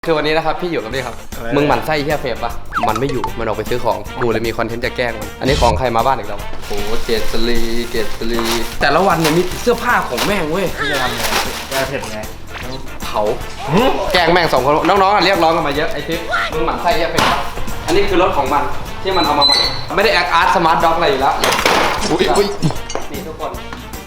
คือวันนี้นะครับพี่อยู่กับนี่ครับมึงหมั่นไส้เหี้ยเฟรมปะมันไม่อยู่มันออกไปซื้อของกูเลยมีคอนเทนต์จะแกล้งมันอันนี้ของใครมาบ้านอีกแล้วโอ้เกตลีแต่ละวันเนี่ยมีเสื้อผ้าของแม่งเว้ยพี่จะทำไงแก้เผ็ดไงเผาแกล้งแม่ง2 คนน้องๆเรียกร้องกันมาเยอะไอ้ทิปมึงหมั่นไส้เหี้ยเฟรมปะอันนี้คือรถของมันที่มันเอามาใหม่ไม่ได้แอคอาร์ตสมาร์ทด็อกอะไรอยู่แล้วอุ้ยนี่ทุกคน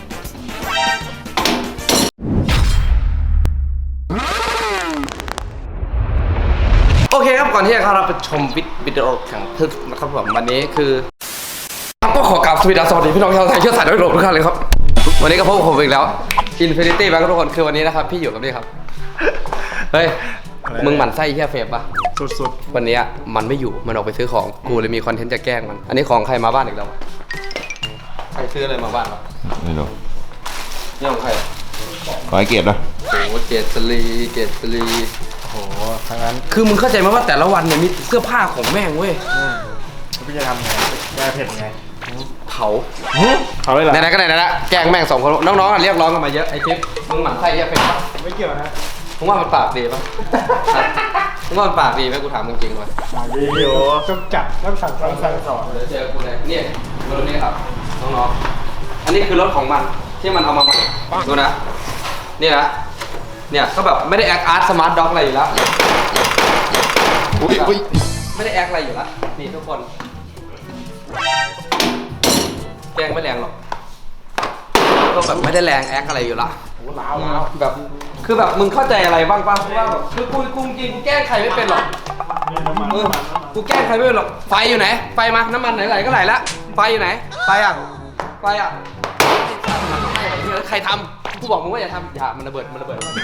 โอเคครับก่อนที่จะเข้ารับชมวิดีโอแข่งทึกนะครับผมวันนี้คือก็ขอกราบสวัสดีพี่น้องชาวไทยเชื้อสายโดยรวมทุกท่านเลยครับวันนี้ก็พบกับผมอีกแล้ว Infinity Bank ทุกคนคือวันนี้นะครับพี่อยู่กับนี่ครับเฮ้ยมึงหมั่นไส้เหี้ยเฟรมปะสุดวันนี้มันไม่อยู่มันออกไปซื้อของกูเลยมีคอนเทนต์จะแกล้งมันอันนี้ของใครมาบ้านอีกแล้วใครซื้ออะไรมาบ้านวะไม่รู้นี่ของใครขอให้เกียรตินะโอ้เกตลีโอ้โหทั้งนั้นคือมึงเข้าใจไหมว่าแต่ละวันเนี่ยมีเสื้อผ้าของแม่งเว้ยพี่จะทำไงแก้เผ็ดไงเผาเลยเหรอไหนๆก็ไหนๆละแกล้งแม่ง2 คนน้องๆเรียกร้องกันมาเยอะไอ้ทิปมึงหมั่นไส้เหี้ยเฟรมปะไม่เกี่ยวนะมึงว่ามันปากดีปะมึงว่ามันปากดีไหมกูถามมึงจริงเลยเดี๋ยวต้องจัดต้องสั่งสอนเดี๋ยวเจอกูเลยเนี่ยรถนี้ครับน้องๆอันนี้คือรถของมันที่มันเอามาใหม่ดูนะนี่นะเนี่ยก็แบบไม่ได้แอคอาร์ตสมาร์ทด็อกอะไรอยู่แล้วอุ้ยไม่ได้แอคอะไรอยู่แล้วนี่ทุกคนแกงไม่แรงหรอกก็แบบไม่ได้แรงแอคอะไรอยู่ละล้าวแบบคือแบบมึงเข้าใจอะไรบ้างป่ะว่าแบบคือกูจริงกูแกล้งใครไม่เป็นหรอกกูแกล้งใครไม่เป็นหรอกไฟอยู่ไหนไฟมาน้ำมันไหลก็ไหลละไฟอยู่ไหนไฟอ่ะใครทำกูบอกมึงว่าอย่าทำอย่ามันระเบิด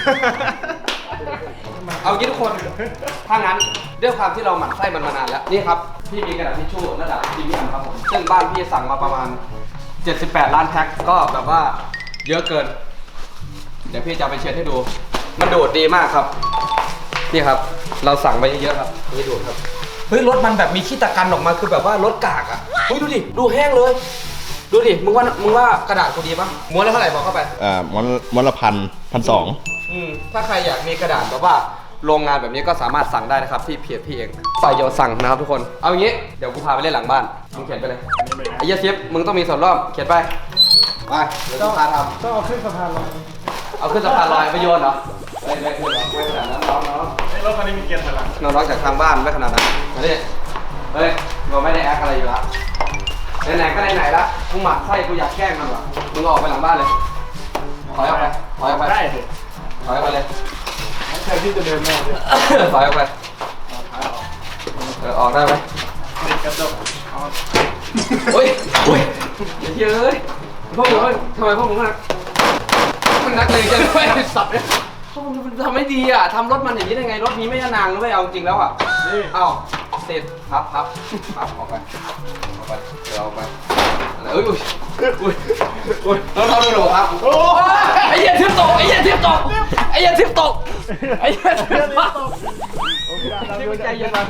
เอางี้ทุกคนถ้างั้นด้วยความที่เราหมั่นไส้มันมานานแล้วนี่ครับพี่มีกระดาษทิชชู่ระดับพรีเมียมครับผมซึ่งบ้านพี่สั่งมาประมาณ78 ล้านแพ็คก็แบบว่าเยอะเกินเดี๋ยวพี่จะไปเช็ดให้ดูมันดูดดีมากครับนี่ครับเราสั่งไปเยอะๆครับนี่ดูดครับเฮ้ยรถมันแบบมีขี้ตะกันออกมาคือแบบว่ารถกากอ่ะเฮ้ยดูดิดูแห้งเลยดูดิมึงว่ากระดาษกูดีปะม้วนละเท่าไหร่บอกเข้าไปม้วนละ1,200 ถ้าใครอยากมีกระดาษแบบว่าโรงงานแบบนี้ก็สามารถสั่งได้นะครับที่เพจพี่เองฝ่ายโยสั่งนะครับทุกคนเอาอย่างนี้เดี๋ยวกูพาไปเล่นหลังบ้านมึงเขียนไปเลยไอ้เหี้ยเชฟมึงต้องมีส่วนร่วมเขียนไปเดี๋ยวต้องพาทำต้องเอาขึ้นสะพานลอยเอาขึ้นสะพานลอยไปโยนเหรอไม่ขึ้นหรอกไม่ขนาดนั้นน้องรถคันนี้มีเกียร์ถอยหลังน้องจากทางบ้านไม่ขนาดนั้นมาดิเฮ้ยเราไม่ได้แอคอะไรอยู่แล้วไหนๆก็ไหนๆละกูหมักไส้กูอยากแกล้งมันว่ะมึงออกไปหลังบ้านเลยถอยออกไปได้ถอยออกไปเลยใครที่จะเดินมาเลยถอยออกไปออกได้ไหมติดกระจกโอ้ยอย่าเชื่อเลยพวกมึงทำไมพวกมึงมันนักเลงจังเลยสับเนี่ยพวกมึงทำไม่ดีอ่ะทำรถมันอย่างนี้ได้ไงรถนี้ไม่นางนะไม่เอาจริงแล้วอ่ะเอ้าเสร็จพับออกไปเดี๋ยวออกไปอุ้ยเราดูครับไอ้เหี้ยทิพตกพี่ใจเย็น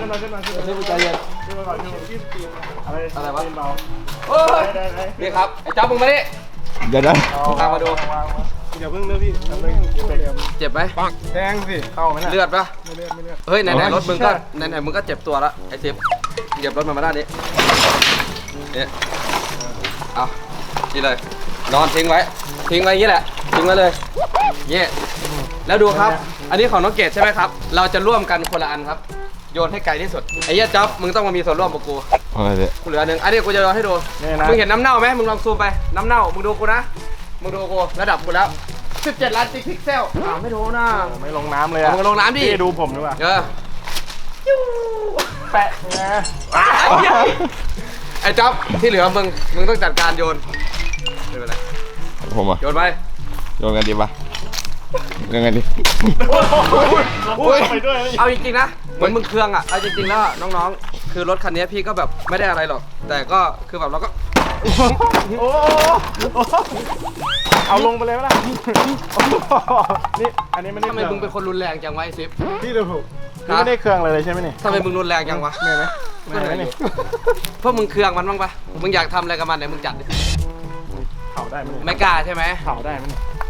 อะไรวะนี่ครับไอ้จ๊อบมึงมาดิเดี๋ยวตามมาดูอย่าเพิ่งเลยพี่เจ็บไหมแทงสิเข้าไหมเลือดปะไม่เลือดเฮ้ยไหนรถมึงก็ไหนมึงก็เจ็บตัวแล้วไอ้ทิพเหยียบรถมาด้านนี้เนี่ยเอานี่เลยนอนทิ้งไว้อย่างนี้แหละทิ้งไว้เลยเนี่ยแล้วดูครับอันนี้ของน้องเกดใช่ไหมครับเราจะร่วมกันคนละอันครับโยนให้ไกลที่สุดไอ้เหี้ยจ๊อบมึงต้องมามีส่วนร่วมกับกูอะไรเนี่ยกูเหลือหนึ่งอันนี้กูจะโยนให้ดูมึงเห็นน้ำเน่าไหมมึงลองซูมไปน้ำเน่ามึงดูกูนะมึงดูกูระดับกูแล้ว17 ล้านพิกเซลไม่ดูนะไม่ลงน้ำเลยอ่ะมึงลงน้ำดิดูผมดีกว่าแปะนะไอ้จ๊อบที่เหลือมึงต้องจัดการโยนไม่เป็นไรผมอ่ะโยนไปโยนกันดีปะยังไงดีเอาจริงๆนะเหมือนมึงเครื่องอ่ะเอาจริงๆแล้วน้องๆคือรถคันนี้พี่ก็แบบไม่ได้อะไรหรอกแต่ก็คือแบบเราก็เอาลงไปเลยมั้ยล่ะนี่อันนี้ไม่ได้ทำไมมึงเป็นคนรุนแรงจังวะไอ้ซิฟพี่ดูไม่ได้เครื่องเลยใช่ไหมนี่ทำไมมึงรุนแรงจังวะไม่ไหมนี่เพราะมึงเครื่องมันบ้างปะมึงอยากทำอะไรกับมันไหนมึงจัดดิเผาได้ไหมไม่กล้าใช่ไหมเผาได้ไหมเผ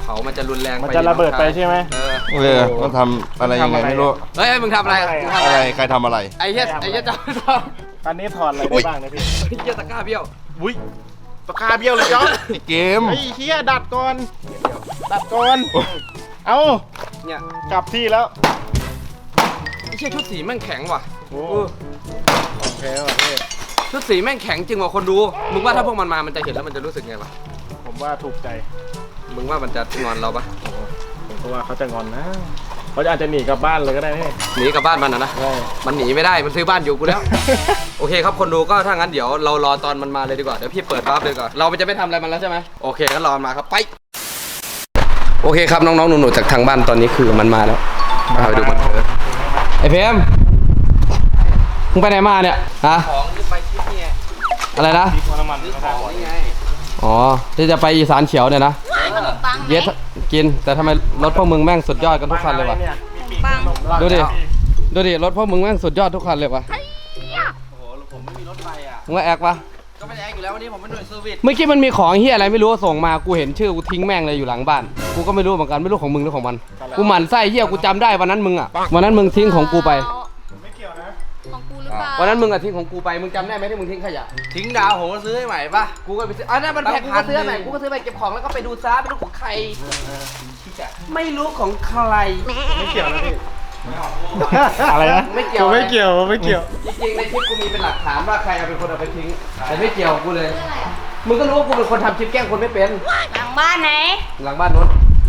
ามันจะรุนแรงไปมันจะระเบิดไปใช่ไหมก็ทำอะไรยังไงไม่รู้เฮ้ยมึงทำอะไรมึงทำอะไรใครทำอะไรไอ้เหี้ยจะไม่ทอันนี้ถอดอะไรได้บ้างนะพี่ำไอ้เหี้ยตะกร้าเบี้ยวอุ้ยตะคาเบี้ยวเลยจ๊อบไอ้เกมไอ้เฮียดัดก่อนดัดก่อนเอาเนี่ยกลับที่แล้วไอ้เหี้ยชุดสีแม่งแข็งว่ะโอ้โอเคว่ะพี่ชุดสีแม่งแข็งจริงว่ะคนดูมึงว่าถ้าพวกมันมามันจะเห็นแล้วมันจะรู้สึกไงวะผมว่าถูกใจมึงว่ามันจะงอนเราปะผมก็ว่าเขาจะงอนนะเขาอาจจะหนีกลับบ้านเลยก็ได้นี่หนีกลับบ้านมันนะใช่มันหนีไม่ได้มันซื้อบ้านอยู่กูแล้ว โอเคครับคนดูก็ถ้างั้นเดี๋ยวเรารอตอนมันมาเลยดีกว่าเดี๋ยวพี่เปิดวาร์ปเลยก่อนเราจะไม่ทำอะไรมันแล้วใช่ไหมโอเคงั้นรอมันมาครับไปโอเคครับน้องๆหนูๆจากทางบ้านตอนนี้คือมันมาแล้วมาไปดูมันไอ้เพมมึงไปไหนมาเนี่ยฮะของจะไปที่นี่อะไรนะที่พอน้ำมันก็ได้นี่ไงอ๋อที่จะไปอีสานเขียวเนี่ยนะขนมปังไหมเย็ดกินแต่ทำไมรถพวกมึงแม่งสุดยอดกันทุกคันเลยวะปังดูดิรถพวกมึงแม่งสุดยอดทุกคันเลยวะโอ้โหผมไม่มีรถไฟอ่ะมึงว่าแอกปะก็ไม่ได้แอคอยู่แล้ววันนี้ผมเป็นหน่วยเซอร์วิสเมื่อกี้มันมีของเฮียอะไรไม่รู้ส่งมากูเห็นชื่อกูทิ้งแม่งเลยอยู่หลังบ้านกูก็ไม่รู้เหมือนกันไม่รู้ของมึงหรือของมันกูหมั่นไส้เฮียกูจำได้วันนั้นมึงอ่ะวันนั้นมึงทิ้งของกูไปไม่เกี่ยวนะของกูหรือเปล่าวันนั้นมึงอ่ะทิ้งของกูไปมึงจำได้ไหมที่มึงทิ้งขยะทิ้งดาวผมก็ซื้อให้ใหม่ป่ะกูก็ไปซื้ออันนั้นมันแพงกูก็ซื้อใหม่กูก็ซื้อไปเก็บของแล้วก็ไปดูซ้าไม่รู้ของใครไม่รู้ของใครไม่เกี่ยวนะพี่อะไรนะไม่เกี่ยวไม่เกี่ยวไม่เกี่ยวจริงๆในคลิปกูมีเป็นหลักฐานว่าใครเอาเป็นคนเอาไปทิ้งแต่ไม่เกี่ยวกูเลยมึงก็รู้ว่ากูเป็นคนทำคลิปแกล้งคนไม่เป็นหลังบ้านไหนหลังบ้านนู้น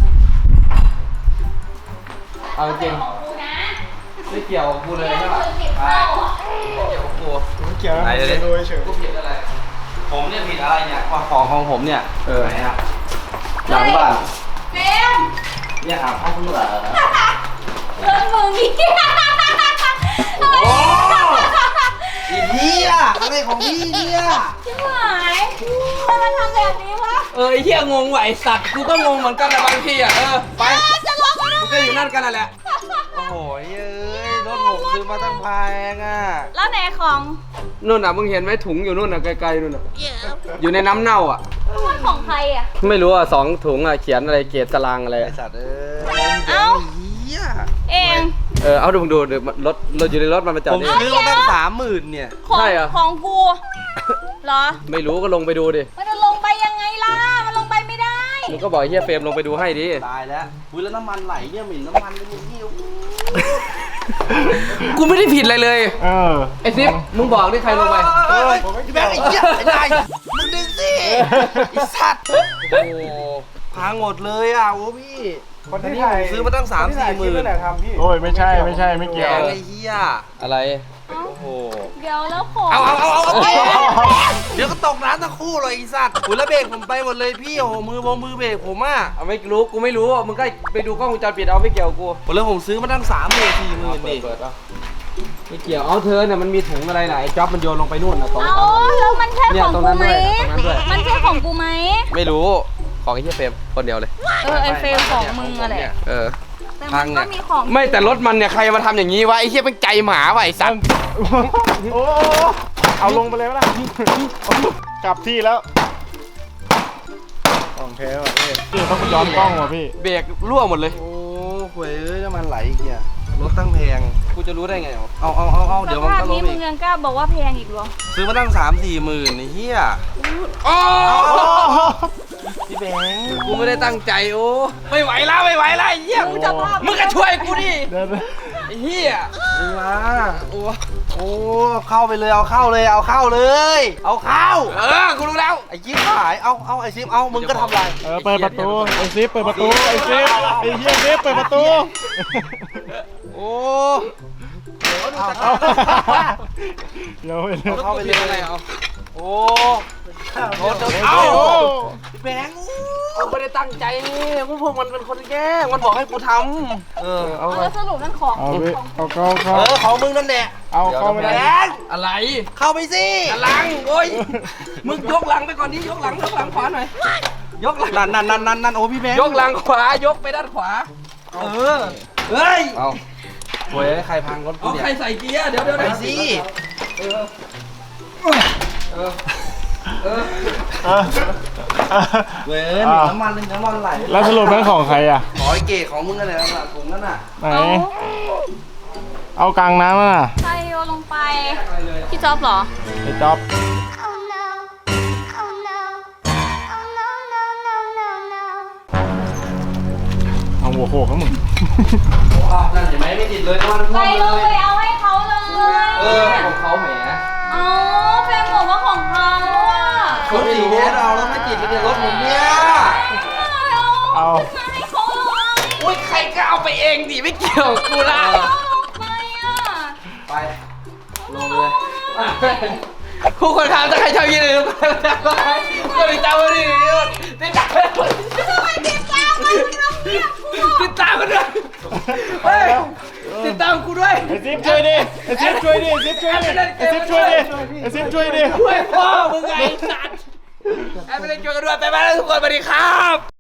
เอาจริงของกูนะไม่เกี่ยวกับกูเลยใช่ปะเก็บเข้าไม่เกี่ยวกับกูไม่เกี่ยวนะไหนเลยดูเฉยกูผิดอะไรผมเนี่ยผิดอะไรเนี่ยว่าของผมเนี่ยไหนอะหลังบ้านเฟรมเนี่ยอาบห้องคุณเหรอเรื่องมึงนี่โอ้อีพี่อะอะไรของพี่เนี่ยชิบหายทำไมทำแบบนี้วะไอ้เหี้ยงงว่ะไอ้สัตว์กูก็งงเหมือนกันนะบางทีอ่ะไปจะล็อกมันมึงก็อยู่นั่นกันนั่นแหละโอ้โหเอ้ยรถผมซื้อมาตั้งแพงอ่ะแล้วไหนของนู่นอ่ะมึงเห็นไหมถุงอยู่นู่นอ่ะไกลๆนู่นอ่ะอยู่ในน้ำเน่าอ่ะมันของใครอ่ะไม่รู้อ่ะ2 ถุงอ่ะเขียนอะไรเกรดตารางอะไรไอสัตว์เอ้ยเอ้าเฮียเองเอาดูเดี๋ยวรถอยู่ในรถมันมาจอผดมนี่ซื้อมาตั้ง30,000เนี่ยของใช่เหรอของกูเหรอไม่รู้ก็ลงไปดูดิมันจะลงไปยังไงล่ะ มันลงไปไม่ได้มึงก็บอกเฮียเฟรมลงไปดูให้ดิตายแล้วอุ้ยแล้วน้ำมันไหลเนี่ยเหม็นน้ำมันเลยมึงหิวกูไม่ได้ผิดอะไรเลยเออไอ้ซิปมึงบอกดิใครลงไปพี่แบงค์ไอ้เหี้ยไอ้นายมึงดึงสิไอ้สัตว์โอ้โหพังหมดเลยอ่ะโอ้พี่คนที่ถ่ายซื้อมาตั้ง3-4 หมื่นโอ้ยไม่ใช่ไม่เกี่ยวแพงไอ้เหี้ยอะไรโอ้โหเดี๋ยวแล้วของเอาเดี๋ยวก็ตกน้ำทั้งคู่เลยไอ้สัตว์อุ้ยแล้วเบรกผมไปหมดเลยพี่โอ้โหมือเบรกผมอ่ะเอาไม่รู้กูไม่รู้มึงก็ไปดูกล้องวงจรปิดเอาไม่เกี่ยวกับกูผมเลยผมซื้อมาตั้ง30,000-40,000นี่เปิดเอาไม่เกี่ยวเอาเธอเนี่ยมันมีถุงอะไรไหนจ๊อบมันโยนลงไปนู่นนะตรงเอาแล้วมันใช่เนี่ยของตรงกูนั้นไหมด้วยตรงนั้นด้วยมันใช่ของกูไหมไม่รู้ของไอ้เฮียเฟรมคนเดียวเลยไอเฟรมของมึงอะแหละ แต่พัมังนเนี่ก็ยมีของไม่แต่รถมันเนี่ยใครมาทำอย่างนี้วะไอ้เฮียเป็นใจหมาว่ะไอ้สัตว์โอ้เอาลงไปเลยไหมล่ะกลับที่แล้วของแท้ว่ะพี่ต้องย้อนกล้องว่ะพี่เบรกรั่วหมดเลยโอ้โหเอ้ยน้ำมันไหลอีกเนี่ยรถตั้งแพงกูจะรู้ได้ไงวะเอาเดี๋ยวมันสภาพก็ล้นี้มมึอีงกยังกล้าบอกว่าแพงอีกเหรอซื้อมาตั้ง3-4 หมื่นไอ้เหี้ย พี่แบงค์กูไม่ได้ตั้งใจโอ้ไม่ไหวแล้วไอ้เหี้ยมึงจะภาพมึงก็ช่วยกูดิเดินไอ้เหี้ยดึงมาโอ้เข้าไปเลยเอาเข้าเลยเอาเข้าเลยเอาเข้ากูรู้แล้วไอ้ยิ้มหายเอาไอ้ซิมเอามึงก็ทำไรเปิดประตูไอ้ซิปเปิดประตูไอ้ซิปไอ้เฮียซิปเปิดประตูโอ้เอาเดี๋ยวเข้าไปเลยอะไรเอาโอ้โหเอาพี่แบงค์กูไม่ได้ตั้งใจนี่พวกมันเป็นคนแกล้งมันบอกให้กูทำเอาเอาแล้วสรุปนั่นของเอาพี่เอาเข้าของมึงนั่นแหละเอาเข้าไม่แบได้งค์อะไรเข้าไปสิหลังโอ้ยมึงยกหลังไปก่อนดิยกหลังขวาหน่อยยกหลังนั่นโอ้พี่แบงค์ยกหลังขวายกไปด้านขวาเฮ้ยเอาโวยใครพังรถกูเอาเนี่ยใครใส่เกียร์เดี๋ยวไปสิเว้ยหนึ่งน้ำมันไหลแล้วสรุปนั้นของใครอ่ะขอไอ้เก๋ของมึงกันเลยนะถุงนั่นน่ะไหน เอากลางน้ำอ่ะใครโยนลงไป พี่จ๊อบเหรอไอ้จ๊อบ Oh no. Oh no. Oh no, no, no, no, no. เอาหัวโขกเขามึงนั่นเห็นไหมไม่ติดเลยมันไปลงไปเอาให้เขาเลยของเขาแหมเอาแฟนบอกว่าของเขาอ่ะคนสีแท้เราแล้วไม่ติดเลยรถผมเนี่ยเอามาให้เขาเลยอุ้ยใครก็เอาไปเองดิไม่เกี่ยวกับกูละเอาลงไปอ่ะไปลงเลยคู่คนค้าถ้าใครชอบยินเลยไปก็ติดตามมาดิติดตามทำไมติดตามมันทำเนี่ยกูติดตามกันด้วยเฮ้ยติดตามกูด้วยไอ้ซิปช่วยดิ ไอ้ซิปช่วยดิ ไอ้ซิปช่วยดิ ไอ้ซิปช่วยดิ ไอ้ซิปช่วยดิช่วยพ่อมึงไงสัตว์แอบไปเล่นเกมกันด้วยไปบ้านทุกคนสวัสดีครับ